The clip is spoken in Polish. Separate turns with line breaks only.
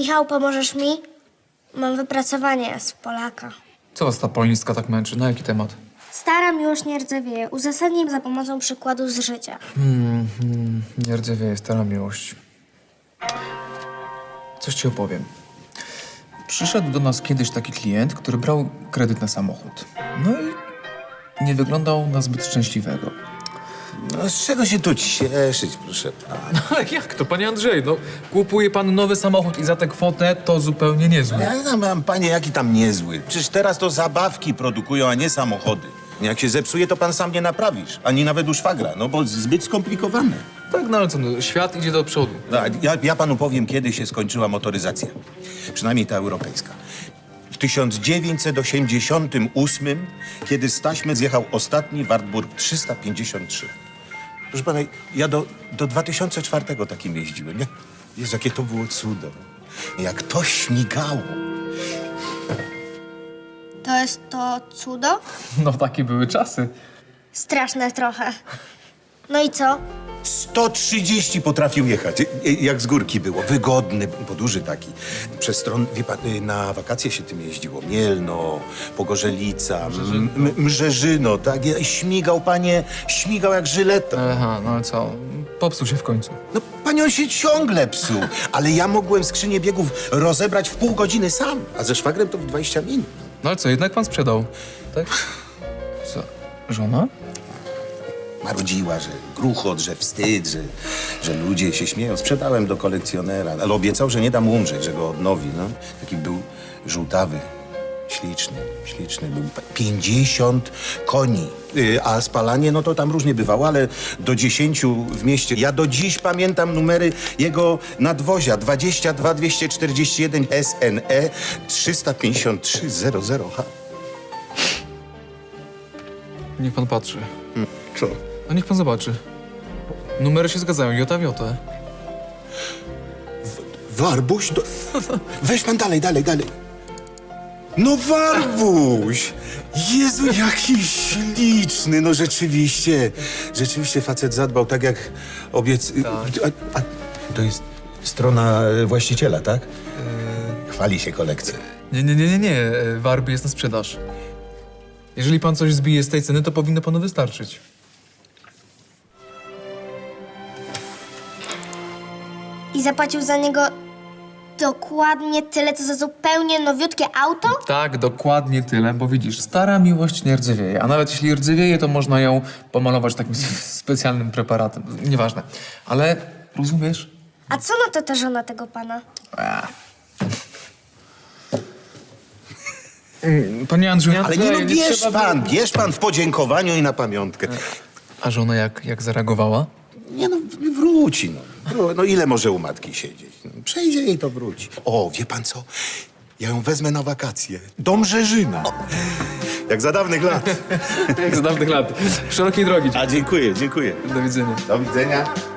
Michał, pomożesz mi? Mam wypracowanie z Polaka.
Co was ta polonistka tak męczy? Na jaki temat?
Stara miłość nie rdzewieje. Uzasadnij za pomocą przykładu z życia.
Nie rdzewieje, stara miłość. Coś ci opowiem. Przyszedł do nas kiedyś taki klient, który brał kredyt na samochód. No i nie wyglądał na zbyt szczęśliwego.
No, z czego się tu cieszyć, proszę pana?
Ale jak to, panie Andrzej? No, kupuje pan nowy samochód i za tę kwotę to zupełnie niezłe.
Ja tam mam, panie, jaki tam niezły. Przecież teraz to zabawki produkują, a nie samochody. Jak się zepsuje, to pan sam nie naprawisz. Ani nawet u szwagra, no bo zbyt skomplikowane.
Tak, no ale co, no, świat idzie do przodu.
Ja panu powiem, kiedy się skończyła motoryzacja. Przynajmniej ta europejska. W 1988, kiedy z taśmy zjechał ostatni Wartburg 353. Proszę pana, ja do 2004 takim jeździłem. Jezu, jakie to było cudo. Jak to śmigało.
To jest to cudo?
No, takie były czasy.
Straszne trochę. No i co?
130 potrafił jechać, jak z górki było. Wygodny, bo duży taki. Przez stron, wie pan, na wakacje się tym jeździło. Mielno, Pogorzelica, Mrzeżyno, tak? Śmigał, panie, śmigał jak żyleta.
Aha, no ale co? Popsuł się w końcu.
No, panie, on się ciągle psuł, ale ja mogłem skrzynię biegów rozebrać w pół godziny sam, a ze szwagrem to w 20 minut.
No ale co, jednak pan sprzedał, tak? Co, żona?
Marudziła, że gruchot, że wstyd, że ludzie się śmieją. Sprzedałem do kolekcjonera, ale obiecał, że nie dam umrzeć, że go odnowi. No. Taki był żółtawy, śliczny był. 50 koni, a spalanie, no to tam różnie bywało, ale do 10 w mieście. Ja do dziś pamiętam numery jego nadwozia 22 241 SNE 353 00H.
Niech pan patrzy.
Co?
No niech pan zobaczy. Numery się zgadzają, jota w jotę.
Warbuś? Weź pan dalej. No Warbuś! Jezu, jaki śliczny, no rzeczywiście. Rzeczywiście facet zadbał tak jak A to jest strona właściciela, tak? Chwali się kolekcją.
Nie. Warby jest na sprzedaż. Jeżeli pan coś zbije z tej ceny, to powinno panu wystarczyć.
I zapłacił za niego dokładnie tyle, co za zupełnie nowiutkie auto?
Tak, dokładnie tyle, bo widzisz, stara miłość nie rdzewieje, a nawet jeśli rdzewieje, to można ją pomalować takim specjalnym preparatem. Nieważne. Ale rozumiesz?
A co na to ta żona tego pana?
Panie Andrzeju,
Ale nie, no bierz pan w podziękowaniu i na pamiątkę.
A żona jak zareagowała?
Nie no, wróci no. No ile może u matki siedzieć? No, przejdzie i to wróci. O, wie pan co? Ja ją wezmę na wakacje. Do Mrzeżyna. Jak za dawnych lat.
Jak z dawnych lat. Szerokiej drogi.
A dziękuję.
Do widzenia.
Do widzenia.